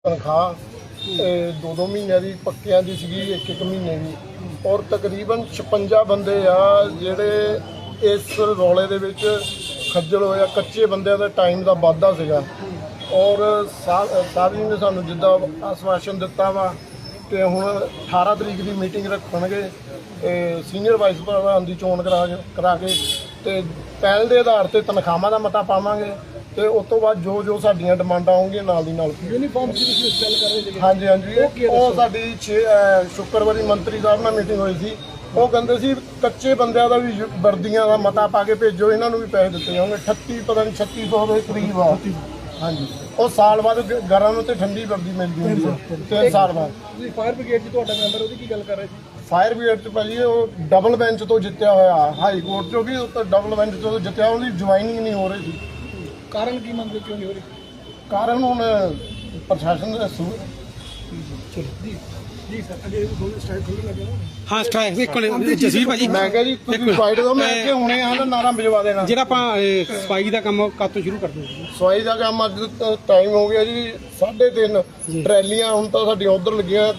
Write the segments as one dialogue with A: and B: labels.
A: ਤਨਖਾਹ 2-2 ਮਹੀਨਿਆਂ ਦੀ ਪੱਕਿਆਂ ਦੀ ਸੀਗੀ, 1-1 ਮਹੀਨੇ ਦੀ। ਔਰ ਤਕਰੀਬਨ 56 ਬੰਦੇ ਆ ਜਿਹੜੇ ਇਸ ਰੌਲੇ ਦੇ ਵਿੱਚ ਖੱਜਲ ਹੋਇਆ। ਕੱਚੇ ਬੰਦਿਆਂ ਦਾ ਟਾਈਮ ਦਾ ਵਾਧਾ ਸੀਗਾ। ਔਰ ਸਾਹਿਬ ਜੀ ਨੇ ਸਾਨੂੰ ਜਿੱਦਾਂ ਆਸ਼ਵਾਸਨ ਦਿੱਤਾ ਵਾ ਕਿ ਹੁਣ 18 ਤਰੀਕ ਦੀ ਮੀਟਿੰਗ ਰੱਖਣਗੇ ਸੀਨੀਅਰ ਵਾਈਸ ਪ੍ਰਧਾਨ ਦੀ ਚੋਣ ਕਰਾ ਕੇ ਤੇ ਪਹਿਲ ਦੇ ਆਧਾਰ ਤੇ ਤਨਖਾਹਾਂ ਦਾ ਮਤਾ ਪਾਵਾਂਗੇ ਤੇ ਉਸ ਤੋਂ ਬਾਅਦ ਜੋ ਸਾਡੀਆਂ ਡਿਮਾਂਡਾਂ ਆਉਣਗੀਆਂ ਨਾਲ ਦੀ ਨਾਲ।
B: ਯੂਨੀਫਾਰਮ ਦੀ ਤੁਸੀਂ ਗੱਲ ਕਰ ਰਹੇ ਸੀ?
A: ਹਾਂਜੀ, ਉਹ ਸਾਡੀ ਸ਼ੁੱਕਰਵਾਰੀ ਮੰਤਰੀ ਸਾਹਿਬ ਨਾਲ ਮੀਟਿੰਗ ਹੋਈ ਸੀ। ਉਹ ਕਹਿੰਦੇ ਸੀ ਕੱਚੇ ਬੰਦਿਆਂ ਦਾ ਵੀ ਵਰਦੀਆਂ ਦਾ ਮਤਾ ਪਾ ਕੇ ਭੇਜੋ, ਇਹਨਾਂ ਨੂੰ ਵੀ ਪੈਸੇ ਦਿੱਤੇ ਜਾਣਗੇ। 38 ਪਤਾ ਨਹੀਂ 3600 ਦੇ ਕਰੀਬ ਆ। ਹਾਂਜੀ, ਉਹ ਸਾਲ ਬਾਅਦ ਗਰਮ ਤੇ ਠੰਡੀ ਵਰਦੀ ਮਿਲਦੀ ਹੁੰਦੀ ਹੈ 3 ਸਾਲ ਬਾਅਦ।
B: ਤੁਸੀਂ ਫਾਇਰ ਬ੍ਰਿਗੇਡ 'ਚ ਤੁਹਾਡਾ ਮੈਂਬਰ ਉਹਦੀ ਕੀ ਗੱਲ ਕਰ ਰਹੇ ਸੀ?
A: ਫਾਇਰ ਬ੍ਰਿਗੇਡ 'ਚ ਭਾਜੀ ਉਹ ਡਬਲ ਬੈਂਚ ਤੋਂ ਜਿੱਤਿਆ ਹੋਇਆ, ਹਾਈ ਕੋਰਟ 'ਚੋਂ ਵੀ ਉੱਤੇ ਡਬਲ ਬੈਂਚ ਤੋਂ ਜਿੱਤਿਆ। ਉਹਦੀ ਜੁਆਇਨਿੰਗ ਨਹੀਂ ਹੋ ਰਹੀ ਸੀ।
B: ਕਾਰਨ ਕੀ ਮੰਨਦੇ, ਕਿਉਂ ਨਹੀਂ ਹੋ ਰਹੀ?
A: ਕਾਰਨ ਹੁਣ ਪ੍ਰਸ਼ਾਸਨ ਦੇ ਦੱਸੂ।
B: ਜੀ ਸਰ, ਅਜੇ ਦੋਨੋਂ ਸਟ੍ਰਾਈਕ ਖੁੱਲ੍ਹਣ ਲੱਗੇ ਨਾ।
C: ਹਾਂ ਸਟ੍ਰਾਈਕ ਇੱਕ ਜਸੀਰ ਭਾਜੀ,
A: ਮੈਂ ਕਿਹਾ ਜੀ ਤੁਸੀਂ ਫਾਈਟ ਦੋ, ਮੈਂ ਕਿ ਹੁਣੇ ਆ ਨਾ ਨਾਰਾ ਭਿਜਵਾ ਦੇਣਾ।
C: ਜਿਹੜਾ ਆਪਾਂ ਸਫਾਈ ਦਾ ਕੰਮ ਕਦ ਤੋਂ ਸ਼ੁਰੂ ਕਰਦੇ ਹਾਂ?
A: ਸਫਾਈ ਦਾ ਕੰਮ ਅੱਜ ਟਾਈਮ ਹੋ ਗਿਆ ਜੀ 3:30 ਟਰੈਲੀਆਂ ਹੁਣ ਤਾਂ ਸਾਡੀਆਂ ਉਧਰ ਲੱਗੀਆਂ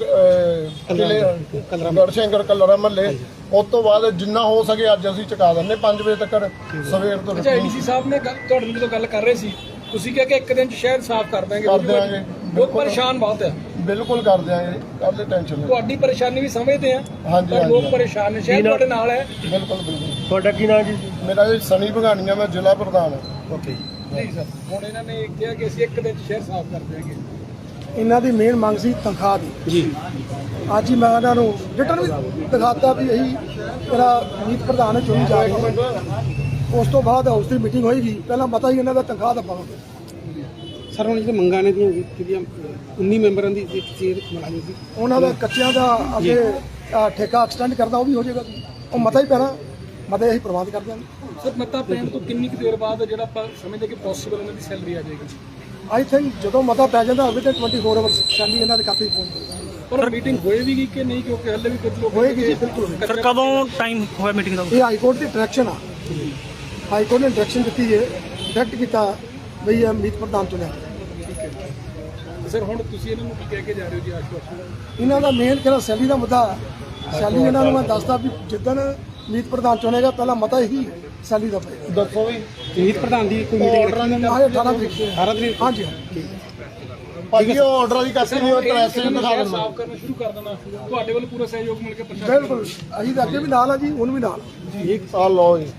A: ਗੜਸ਼ੰਕਰ ਕਲਰਾ ਮਹੱਲੇ। ਉਸ ਤੋਂ ਬਾਅਦ ਜਿੰਨਾ ਹੋ ਸਕੇ ਅੱਜ ਅਸੀਂ ਚੁਕਾ ਦਿੰਦੇ 5 ਵਜੇ ਤੱਕ ਸਵੇਰ ਤੋਂ।
B: ਅੱਛਾ, ਏਡੀਸੀ ਸਾਹਿਬ ਨੇ ਤੁਹਾਡੇ ਨਾਲ ਜਦੋਂ ਗੱਲ ਕਰ ਰਹੇ ਸੀ ਤੁਸੀਂ ਕਿਹਾ ਕਿ ਇੱਕ ਦਿਨ 'ਚ ਸ਼ਹਿਰ ਸਾਫ਼ ਕਰ ਦਾਂਗੇ।
A: ਕਰ ਦਿਆਂਗੇ,
B: ਬਹੁਤ ਪਰੇਸ਼ਾਨ ਬਹੁਤ ਹੈ।
A: ਬਿਲਕੁਲ ਕਰ ਦਿਆਂਗੇ, ਕਾਹਦੀ ਟੈਨਸ਼ਨ ਨਹੀਂ।
B: ਤੁਹਾਡੀ ਪਰੇਸ਼ਾਨੀ ਵੀ ਸਮਝਦੇ ਆ,
A: ਹਾਂਜੀ,
B: ਪਰ ਲੋਕ ਪਰੇਸ਼ਾਨ ਨੇ। ਸ਼ਹਿਰ ਤੁਹਾਡੇ ਨਾਲ ਹੈ।
A: ਬਿਲਕੁਲ।
B: ਤੁਹਾਡਾ ਕੀ ਨਾਮ ਜੀ?
A: ਮੇਰਾ ਜੀ ਸਨੀ ਭਗਾਨੀਆ, ਮੈਂ ਜ਼ਿਲ੍ਹਾ ਪ੍ਰਧਾਨ ਹਾਂ।
B: ਓਕੇ ਜੀ ਸਰ, ਹੁਣ ਇਹਨਾਂ ਨੇ ਕਿਹਾ ਕਿ ਅਸੀਂ ਇੱਕ ਦਿਨ 'ਚ ਸ਼ਹਿਰ ਸਾਫ਼ ਕਰ ਦਿਆਂਗੇ।
D: ਇਹਨਾਂ ਦੀ ਮੇਨ ਮੰਗ ਸੀ ਤਨਖਾਹ ਦੀ
C: ਜੀ।
D: ਅੱਜ ਹੀ ਮੈਂ ਇਹਨਾਂ ਨੂੰ ਰਿਟਰਨ ਵੀ ਦਿਖਾਤਾ ਵੀ ਇਹੀ ਮੇਰਾ ਮੀਤ ਪ੍ਰਧਾਨ ਚੁਣੀ ਜਾ ਰਹੀ। ਉਸ ਤੋਂ ਬਾਅਦ ਹਾਊਸ ਦੀ ਮੀਟਿੰਗ ਹੋਏਗੀ, ਪਹਿਲਾਂ ਪਤਾ ਹੀ ਇਹਨਾਂ ਦਾ ਤਨਖਾਹ ਦਾ ਪਾਵਾਂਗੇ।
C: ਸਰ ਹੁਣ ਜਿਹੜੇ ਮੰਗਾਂ ਨੇ ਜਿਹੜੀਆਂ 19 ਮੈਂਬਰਾਂ ਦੀ ਚੇਅਰ ਮੁਲਾਜ਼ਮ ਸੀ,
D: ਉਹਨਾਂ ਦਾ ਕੱਚਿਆਂ ਦਾ ਅੱਗੇ ਠੇਕਾ ਐਕਸਟੈਂਡ ਕਰਦਾ, ਉਹ ਵੀ ਹੋ ਜਾਏਗਾ। ਉਹ ਮਤਾ ਹੀ ਪੈਣਾ, ਮਤੇ ਅਸੀਂ ਪ੍ਰਬੰਧ ਕਰ ਦਿਆਂਗੇ।
B: ਸਰ, ਮਤਾ ਪੈਣ ਤੋਂ ਕਿੰਨੀ ਕੁ ਦੇਰ ਬਾਅਦ ਜਿਹੜਾ ਆਪਾਂ ਸਮਝਦੇ ਕਿ ਪੋਸੀਬਲ ਇਹਨਾਂ ਦੀ ਸੈਲਰੀ ਆ ਜਾਏਗੀ?
D: ਆਈ ਥਿੰਕ ਜਦੋਂ ਮਤਾ ਪੈ ਜਾਂਦਾ ਹੋਵੇ ਤਾਂ 24 ਆਵਰਸ ਸੈਲਰੀ ਇਹਨਾਂ ਦੇ ਖਾਤੇ 'ਚ ਪਹੁੰਚ ਜਾਏਗੀ।
B: ਪਰ ਮੀਟਿੰਗ ਹੋਏਗੀ ਕਿ ਨਹੀਂ, ਕਿਉਂਕਿ ਹਲੇ ਵੀ ਕੁਝ ਲੋਕ
D: ਹੋਏਗੀ ਜੀ, ਬਿਲਕੁਲ ਹੋਏਗੀ।
B: ਸਰ,
C: ਕਦੋਂ ਟਾਈਮ ਹੋਇਆ ਮੀਟਿੰਗ ਦਾ?
D: ਇਹ ਹਾਈ ਕੋਰਟ ਦੀ ਡਾਇਰੈਕਸ਼ਨ ਆ। ਹਾਈ ਕੋਰਟ ਨੇ ਡਾਇਰੈਕਸ਼ਨ ਦਿੱਤੀ ਹੈ, ਡਾਇਰੈਕਟ ਕੀਤਾ ਬਈ ਇਹ ਮੀਤ ਪ੍ਰਧਾਨ ਚੁਣਿਆ।
B: ਸਰ, ਹੁਣ ਤੁਸੀਂ ਇਹਨਾਂ ਨੂੰ ਕੀ ਕਹਿ ਕੇ ਜਾ ਰਹੇ ਹੋ ਜੀ? ਆਸ਼ਵਾਸਨ
D: ਇਹਨਾਂ ਦਾ ਮੇਨ ਕਿਹੜਾ ਸੈਲਰੀ ਦਾ ਮੁੱਦਾ। ਸੈਲਰੀ ਇਹਨਾਂ ਨੂੰ ਮੈਂ ਦੱਸਦਾ ਵੀ ਜਿੱਦਣ ਮੀਤ ਪ੍ਰਧਾਨ ਚੁਣੇਗਾ ਪਹਿਲਾਂ ਮਤਾ ਹੀ ਸੈਲਰੀ ਦਾ ਪਏਗਾ।
A: ਦੱਸੋ ਵੀ
C: ਮੀਤ ਪ੍ਰਧਾਨ ਦੀ ਕੋਈ ਮੀਟਿੰਗ ਰੱਖੀ?
D: 18 ਤਰੀਕ
C: 18 ਤਰੀਕ?
D: ਹਾਂਜੀ।
A: ਭਾਜੀ ਉਹ ਆਰਡਰ ਦੀ ਕਾਪੀ ਨਹੀਂ, ਉਹ ਟ੍ਰੈਸ ਨੂੰ ਦਿਖਾ ਦਿੰਦਾ।
B: ਸਾਫ਼ ਕਰਨਾ ਸ਼ੁਰੂ ਕਰ ਦੇਣਾ। ਤੁਹਾਡੇ ਵੱਲ ਪੂਰਾ ਸਹਿਯੋਗ ਮਿਲ ਕੇ ਪ੍ਰਸ਼ਾਸਨ।
D: ਬਿਲਕੁਲ, ਅਸੀਂ ਤਾਂ ਅੱਗੇ ਵੀ ਨਾਲ ਆ ਜੀ, ਹੁਣ ਵੀ ਨਾਲ।
A: ਇੱਕ ਸਾਲ ਲਓ ਜੀ।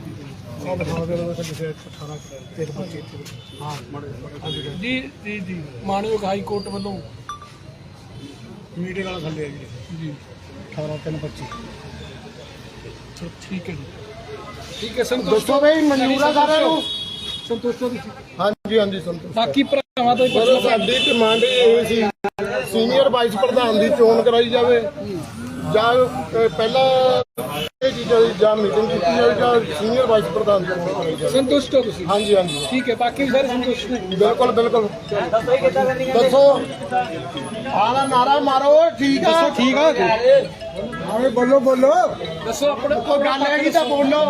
B: ਜੀ ਮਾਨਯੋਗ ਹਾਈ ਕੋਰਟ ਵੱਲੋਂ
D: ਮੀਟਿੰਗ ਵਾਲਾ ਥੱਲੇ ਆ
B: ਜੀ
D: 18/3/25।
B: ਠੀਕ ਹੈ ਜੀ, ਠੀਕ ਹੈ। ਸੰਤੋਸ਼
A: ਦੱਸੋ ਬਈ ਮਨਜ਼ੂਰ ਆ ਸਾਰਿਆਂ ਨੂੰ?
B: ਸੰਤੋਸ਼ ਹੋ ਤੁਸੀਂ?
A: ਹਾਂਜੀ ਸੰਤੋਸ਼।
B: ਬਾਕੀ ਭਰਾਵਾਂ ਤੋਂ ਹੀ ਪੁੱਛ ਲਓ।
A: ਸਾਡੀ ਡਿਮਾਂਡ ਇਹ ਸੀ ਸੀਨੀਅਰ ਵਾਈਸ ਪ੍ਰਧਾਨ ਦੀ ਚੋਣ ਕਰਾਈ ਜਾਵੇ, ਜਾਂ ਪਹਿਲਾਂ ਇਹ ਚੀਜ਼ਾਂ ਦੀ ਜਾਂ ਮੀਟਿੰਗ ਕੀਤੀ ਜਾਵੇ, ਜਾਂ ਸੀਨੀਅਰ ਵਾਈਸ ਪ੍ਰਧਾਨ ਦੀ ਚੋਣ ਕਰਾਈ ਜਾਵੇ।
B: ਸੰਤੁਸ਼ਟ ਹੋ ਤੁਸੀਂ?
A: ਹਾਂਜੀ।
B: ਠੀਕ ਹੈ, ਬਾਕੀ ਵੀ ਸਾਰੇ ਸੰਤੁਸ਼ਟ ਨੇ?
A: ਬਿਲਕੁਲ। ਦੱਸੋ ਆਲਾ ਨਾਰਾ ਮਾਰੋ। ਠੀਕ ਆ,
C: ਠੀਕ ਆ।
A: ਆਵੇਂ ਬੋਲੋ।
B: ਦੱਸੋ ਆਪਣਾ
A: ਕੋਈ ਗੱਲ ਹੈਗੀ ਤਾਂ ਬੋਲੋ।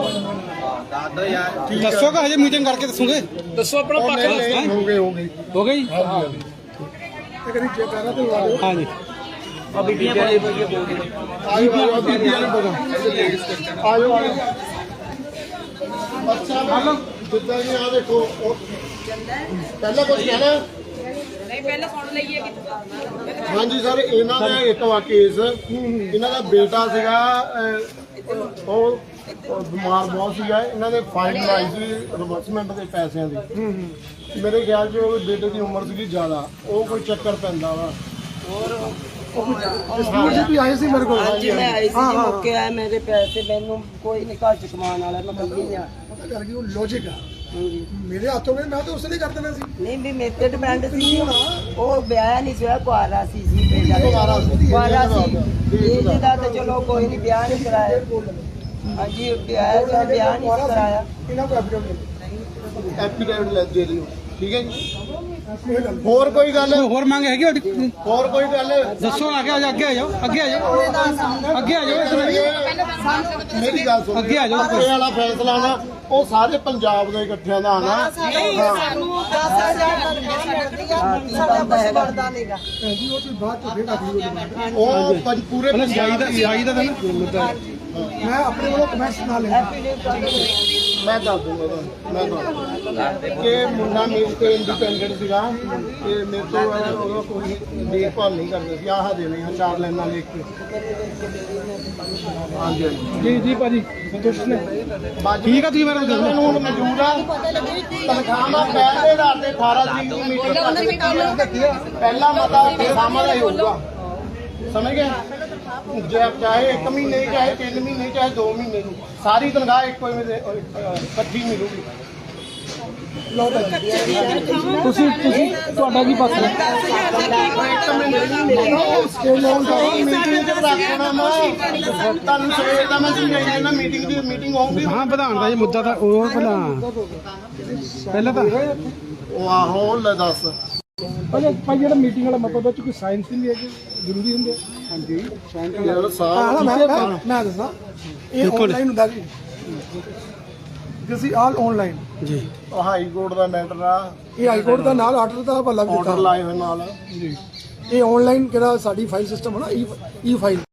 C: ਦੱਸੋਗਾ ਹਜੇ ਮੀਟਿੰਗ ਕਰਕੇ ਦੱਸੋਗੇ?
B: ਦੱਸੋ ਆਪਣਾ ਪੱਖ ਦੱਸੋ।
A: ਹੋ ਗਈ
C: ਹੋ ਗਈ?
D: ਤੇ ਕਰੀ ਚੈੱਕ ਕਰਾ ਤੇ ਲਾ ਦਿਓ।
C: ਹਾਂਜੀ।
A: ਆਇਓ ਬੀਬੀ ਵਾਲੇ ਬਗੋ ਆਇਓ। ਅੱਛਾ ਮੈਡਮ, ਜਿੱਦਾਂ ਜੀ ਆ ਦੇਖੋ ਪਹਿਲਾਂ ਕੁਝ ਕਹਿਣਾ?
E: ਨਹੀਂ, ਪਹਿਲਾਂ ਸੁਣ ਲਈਏ ਕਿ
A: ਹਾਂਜੀ ਸਰ, ਇਹਨਾਂ ਦਾ ਇੱਕ ਵਾ ਕੇਸ, ਇਹਨਾਂ ਦਾ ਬੇਟਾ ਸੀਗਾ ਉਹ ਬਿਮਾਰ ਬਹੁਤ ਸੀਗਾ। ਇਹਨਾਂ ਨੇ ਫਾਈਨ ਲਾਈ ਸੀ ਰਿਵਰਸਮੈਂਟ ਦੇ ਪੈਸਿਆਂ ਦੀ। ਮੇਰੇ ਖਿਆਲ 'ਚ ਉਹ ਬੇਟੇ ਦੀ ਉਮਰ ਸੀਗੀ ਜ਼ਿਆਦਾ, ਉਹ ਕੋਈ ਚੱਕਰ ਪੈਂਦਾ ਵਾ।
D: ਸਕੂਲ 'ਚ ਵੀ ਆਏ ਸੀ ਮੇਰੇ ਕੋਲ।
F: ਹਾਂਜੀ, ਮੈਂ ਆਈ ਸੀ ਜੀ, ਮੌਕੇ ਆਇਆ ਮੇਰੇ ਪੈਸੇ ਮੈਨੂੰ ਕੋਈ ਨਹੀਂ ਘਰ ਚ ਕਮਾਉਣ ਵਾਲਾ, ਮੈਂ ਕੱਲੀ ਆ।
D: ਪਤਾ ਕਰ ਗਈ ਉਹ ਲੌਜਿਕ ਆ।
F: ਹਾਂਜੀ,
D: ਮੇਰੇ ਹੱਥੋਂ ਗਏ, ਮੈਂ ਤਾਂ ਉਸੇ ਲਈ ਕਰ ਦੇਣਾ ਸੀ।
F: ਨਹੀਂ ਵੀ ਮੇਰੇ ਤੇ ਡਿਪੈਂਡ ਸੀ। ਉਹ ਵਿਆਹ ਨਹੀਂ ਸੀ ਹੋਇਆ, ਕੁਆਰਾ ਸੀ ਜੀ ਬੇਟਾ। ਕੁਆਰਾ ਸੀ ਇਹਦਾ ਤਾਂ ਚਲੋ ਕੋਈ ਨਹੀਂ, ਵਿਆਹ ਨਹੀਂ ਕਰਾਇਆ। ਹਾਂਜੀ, ਵਿਆਹ ਨਹੀਂ ਕਰਾਇਆ।
D: ਇਹਨਾਂ ਕੋਲ ਐਫੀਡੇਵਿਟ
A: ਐਪੀਡੇਵਿਟ ਲੈ ਦੇ ਦਿਓ। ਠੀਕ ਹੈ ਜੀ। ਹੋਰ ਕੋਈ ਗੱਲ
C: ਹੋਰ ਮੰਗ ਹੈਗੀ ਤੁਹਾਡੀ?
A: ਹੋਰ ਕੋਈ ਗੱਲ
C: ਦੱਸੋ ਅੱਗੇ ਆ ਜਾਓ, ਅੱਗੇ ਆ ਜਾਓ, ਅੱਗੇ ਆ ਜਾਓ, ਅੱਗੇ ਆ ਜਾਓ,
A: ਮੇਰੀ ਗੱਲ ਸੁਣ
C: ਅੱਗੇ ਆ ਜਾਓ।
A: ਇਹ ਵਾਲਾ ਫੈਸਲਾ ਨਾ ਉਹ ਸਾਰੇ ਪੰਜਾਬ ਦੇ ਇਕੱਠਿਆਂ ਦਾ ਆਣਾ
F: ਸਾਨੂੰ 10,000 ਤਨਖਾਹ ਮਿਲਦੀ ਆ ਸਾਡਾ ਕੁਝ ਬਣਦਾ ਨਹੀਂਗਾ
A: ਉਹ ਪੂਰੇ
C: ਜਾਈ ਦਾ ਤਾਂ ਨਾ
D: ਮੈਂ ਆਪਣੇ ਵੱਲੋਂ ਕਮੈਂਟਸ ਨਾਲ ਲੈਣਾ
A: ਮੈਂ ਦੱਸ ਦੂੰਗਾ ਤੁਹਾਨੂੰ, ਮੈਂ ਦੱਸ ਦੂੰਗਾ ਕਿ ਮੁੰਡਾ ਮੇਰੇ ਤੇ ਇੰਡੀਪੈਂਡੈਂਟ ਸੀਗਾ ਤੇ ਮੇਰੇ ਤੋਂ ਉਹਦਾ ਕੋਈ ਦੇਖਭਾਲ ਨਹੀਂ ਕਰਦੇ ਸੀ। ਆਹ ਦੇ ਨਹੀਂ 4 ਲਾਈਨਾਂ ਲਿਖ ਕੇ। ਹਾਂਜੀ ਹਾਂਜੀ
B: ਜੀ ਭਾਜੀ ਸੰਤੁਸ਼ਟ ਨੇ?
C: ਠੀਕ ਆ, ਤੁਸੀਂ ਮੇਰੇ ਨਾਲ
A: ਮੈਨੂੰ ਹੁਣ ਮੌਜੂਦ ਆ ਤਨਖਾਹਾਂ ਪਹਿਲੇ ਰਾਤ ਦੇ 18 ਤਰੀਕ ਦੀ ਮੀਟਿੰਗ ਪਹਿਲਾ ਮਤਾ ਤਨਖਾਹਾਂ ਦਾ ਹੀ ਹੋਊਗਾ, ਸਮਝ ਗਏ? ਜੇ ਚਾਹੇ 1 ਮਹੀਨੇ ਚਾਹੇ 3 ਮਹੀਨੇ ਚਾਹੇ 2 ਮਹੀਨੇ ਨੂੰ ਸਾਰੀ ਤਨਖਾਹ ਇੱਕੋ ਇਕੱਠੀ ਮਿਲੂਗੀ।
B: ਤੁਸੀਂ ਤੁਹਾਡਾ ਕੀ ਪਾਸਾ ਹੈ?
A: ਮੀਟਿੰਗ ਚ ਰੱਖਣਾ ਮੈਂ ਤੁਹਾਨੂੰ ਸਵੇਰ ਦਾ ਮੈਂ ਸਮਝਾਈ ਜਾਂਦਾ ਮੀਟਿੰਗ ਹੋਊਗੀ।
C: ਹਾਂ ਵਧਾਉਣ ਦਾ ਇਹ ਮੁੱਦਾ ਤਾਂ ਉਹ ਪਹਿਲਾਂ ਤਾਂ
A: ਉਹ ਆਹੋ ਲੈ ਦੱਸ
B: ਭਾਈ ਜਿਹੜਾ ਮੀਟਿੰਗ ਵਾਲਾ ਮਤਲਬ ਵਿੱਚ ਕੋਈ ਸਾਇੰਸ ਨਹੀਂ ਹੈ ਕਿ ਜ਼ਰੂਰੀ ਹੁੰਦੇ?
A: ਯਾਰ ਸਾਹ
D: ਮੈਂ ਦੱਸਾਂ ਇਹ ਆਨਲਾਈਨ ਹੁੰਦਾ ਜੀ ਤੁਸੀਂ ਆਲ ਆਨਲਾਈਨ
C: ਜੀ
A: ਹਾਈ ਕੋਰਟ ਦਾ ਮੈਟਰ ਆ,
D: ਇਹ ਹਾਈ ਕੋਰਟ ਦਾ ਨਾਲ ਆਰਡਰ ਦਾ ਹਵਾਲਾ ਵੀ
A: ਆਰਡਰ
D: ਦਿੱਤਾ
A: ਲਾਏ ਹੋਏ ਨਾਲ।
D: ਇਹ ਆਨਲਾਈਨ ਕਿਹੜਾ ਸਾਡੀ ਫਾਈਲ ਸਿਸਟਮ ਹੈ ਨਾ ਈ ਫਾਈਲ